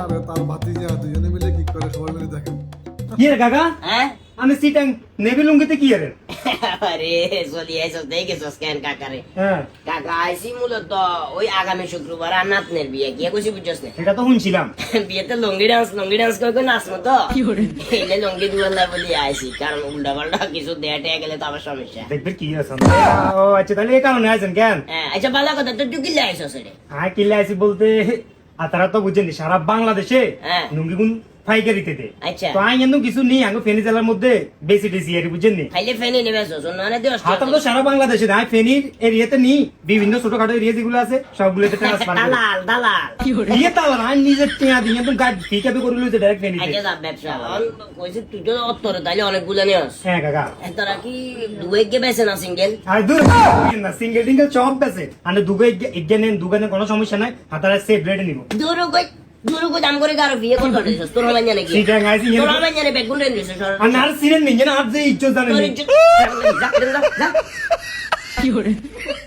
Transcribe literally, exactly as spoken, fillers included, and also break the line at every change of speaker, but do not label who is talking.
আর তার ভাতিজা দুজনে মিলে কি করে সবাই মিলে দেখেন।
কি রে কাকা?
হ্যাঁ
আমি সিটাং নেভি লুঙ্গিতে কি রে?
আরে চলি আইসো দেখেছো স্ক্যান কাকারে
হ্যাঁ
কাকা আইসি মূলত ওই আগামী শুক্রবার আর নাতনের বিয়ে গিয়ে কইছি বুঝছস না
এটা তো শুনছিলাম।
বিয়েতে লঙ্গি ডান্স লঙ্গি ডান্স করে করে নাচবো তো এলে লঙ্গি দুয়াল্লা বলি আইসি কারণ উল্টা পাল্টা কিছু দেয়া টেয়া গেলে তো আবার সমস্যা।
দেখবে কি আছে। ও আচ্ছা তাহলে এই কারণে আছেন কেন?
হ্যাঁ আচ্ছা ভালো কথা তো তুই কিল্লা আইসো সেটা
হ্যাঁ কিল্লা আইসি বলতে আর তারা তো বুঝেন সারা বাংলাদেশে
হ্যাঁ।
লুঙ্গি গুন ফাইকারিতে দে।
আচ্ছা
তো আই এমন কিছু নেই আঙ্গো ফেনী জেলার মধ্যে বেশি বেশি এর বুঝেন নি।
খাইলে ফেনি নেবে মানে দিও
হাত তো সারা বাংলাদেশে না ফেনীর এরিয়াতে নি বিভিন্ন ছোটখাটো এরিয়া যেগুলো আছে সবগুলোতে ট্রান্সফার করে।
দালাল দালাল
দিয়ে তাও না নিজের টিয়া দিয়ে একদম গাড়ি পিকআপে করে লইতে ডাইরেক্ট ফেনীতে।
আচ্ছা যা ব্যবসা কইছি তুই তো অত্তর তাইলে অনেকগুলো নিয়স
হ্যাঁ কাকা।
তারা কি দুয়ে গে বেছে না সিঙ্গেল
আর দূর না সিঙ্গেল টিঙ্গেল সব আছে মানে দুগে এগিয়ে নেন দুগানে কোনো সমস্যা নাই হাতারা সেফ রেটে নিব।
দূর কই দূর কই দাম করে কারো বিয়ে করতে দিছস তোর মানে জানে কি
সিটা গাইছি
তোর মানে জানে বেগুন রেন দিছস
আর নার সিনেন নিয়ে না আর যে ইজ্জত জানেন
তোর ইজ্জত যা যা যা
কি হরে